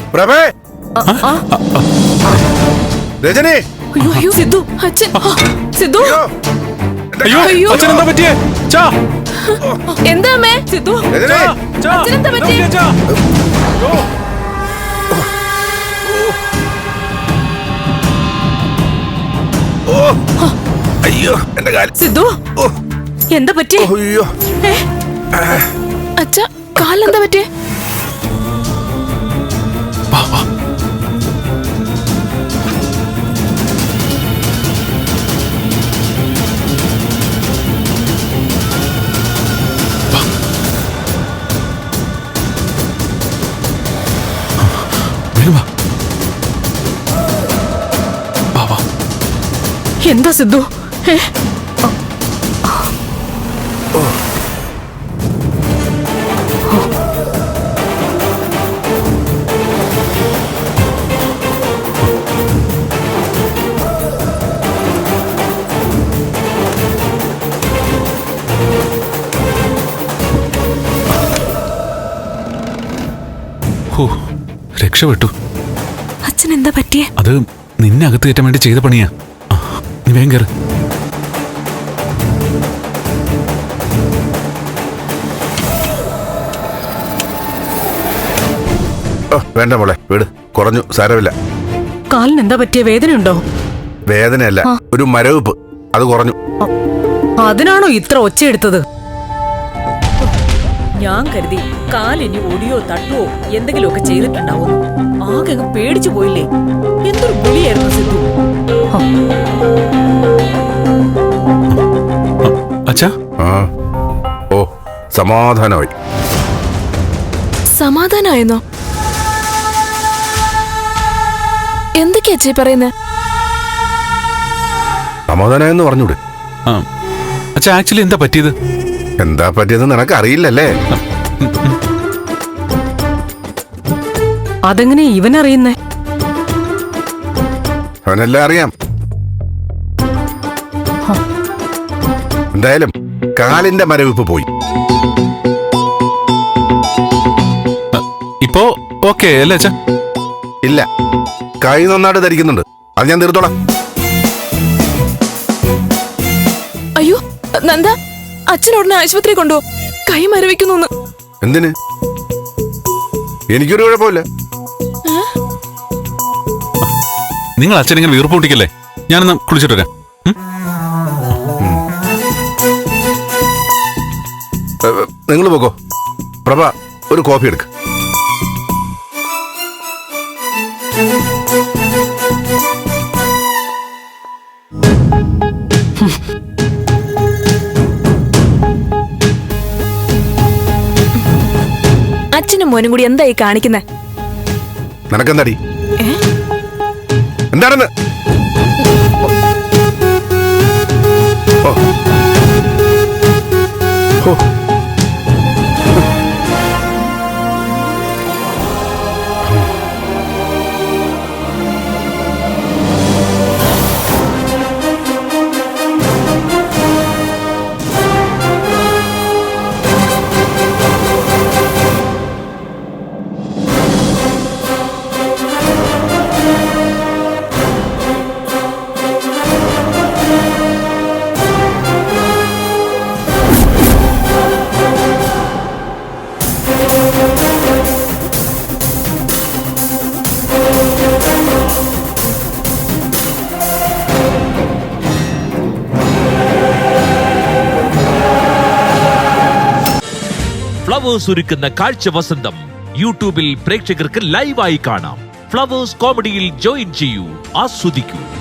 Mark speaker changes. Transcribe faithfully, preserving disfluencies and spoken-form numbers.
Speaker 1: പ്രഭേ രജനി
Speaker 2: അയ്യോ അയ്യോ സിദ്ധു അച്ഛൻ സിദ്ധു
Speaker 3: അയ്യോ അച്ഛൻ എന്താ പറ്റിയേ ചാ
Speaker 2: എന്താ അമ്മേ സിദ്ധു അച്ഛൻ എന്താ പറ്റിയേ
Speaker 1: അയ്യോ എന്റെ കാല്
Speaker 2: സിദ്ധു എന്താ പറ്റിയേ
Speaker 1: അയ്യോ
Speaker 2: അച്ഛാ കാലെന്താ പറ്റിയേ എന്താ സിദ്ധു
Speaker 3: രക്ഷപ്പെട്ടു.
Speaker 2: അച്ഛൻ എന്താ പറ്റിയേ?
Speaker 3: അത് നിന്നെ അകത്ത് കയറ്റാൻ വേണ്ടി ചെയ്ത പണിയാ. നീ വേഗം കേറ്.
Speaker 1: വേണ്ട മോളെ വീട് കുറഞ്ഞു, സാരമില്ല.
Speaker 2: കാലിന് എന്താ പറ്റിയ? വേദനയുണ്ടോ?
Speaker 1: വേദനയല്ല, ഒരു മരവിപ്പ്, അത് കുറഞ്ഞു.
Speaker 2: അതിനാണോ ഇത്ര ഒച്ച എടുത്തത്? ഞാൻ കരുതി കാലിനി ഒടിയോ തട്ടുവോ എന്തെങ്കിലുമൊക്കെ ചെയ്തിട്ടുണ്ടാവും. ആകെ അങ്ങ് പേടിച്ചു പോയില്ലേ? എന്തൊരു വിളിയായിരുന്നു സിദ്ധു.
Speaker 3: അച്ഛാ
Speaker 1: ഓ സമാധാനമായി.
Speaker 2: സമാധാനായെന്നോ? എന്തൊക്കെയാ അച്ഛാ പറയുന്നേ?
Speaker 1: സമാധാനമായെന്ന് പറഞ്ഞൂടെ?
Speaker 3: അച്ഛാ ആക്ച്വലി എന്താ പറ്റിയത്?
Speaker 1: എന്താ പറ്റിയത് നിനക്ക് അറിയില്ലല്ലേ?
Speaker 2: അതെങ്ങനെ ഇവനറിയുന്നേ?
Speaker 1: അവനെല്ലാം അറിയാം. എന്തായാലും കാലിന്റെ മരവിപ്പ് പോയി.
Speaker 3: ഇപ്പോ ഓക്കേ അല്ലേ അച്ഛാ?
Speaker 1: ഇല്ല, കൈ നന്നായിട്ട് ധരിക്കുന്നുണ്ട്, അത് ഞാൻ തീർത്തോളാം.
Speaker 2: അയ്യോ നന്ദ, അച്ഛനോടനെ ആശുപത്രി കൊണ്ടുപോ, കൈ മരവിക്കുന്നു.
Speaker 1: എന്തിന്? എനിക്കൊരു കുഴപ്പമില്ല.
Speaker 3: നിങ്ങൾ അച്ഛനിങ്ങനെ വീർപ്പ് പൊട്ടിക്കല്ലേ, ഞാനൊന്ന് കുളിച്ചിട്ട് വരാം.
Speaker 1: നിങ്ങൾ പോകോ. പ്രഭ ഒരു കോഫി എടുക്ക്.
Speaker 2: അച്ഛനും മോനും കൂടി എന്തായി കാണിക്കുന്നേ?
Speaker 1: നിനക്കെന്താടി? എന്താണെന്ന്?
Speaker 4: ഫ്ലവേഴ്സ് ഒരുക്കുന്ന കാഴ്ച വസന്തം യൂട്യൂബിൽ പ്രേക്ഷകർക്ക് ലൈവായി കാണാം. ഫ്ലവേഴ്സ് കോമഡിയിൽ ജോയിൻ ചെയ്യൂ, ആസ്വദിക്കൂ.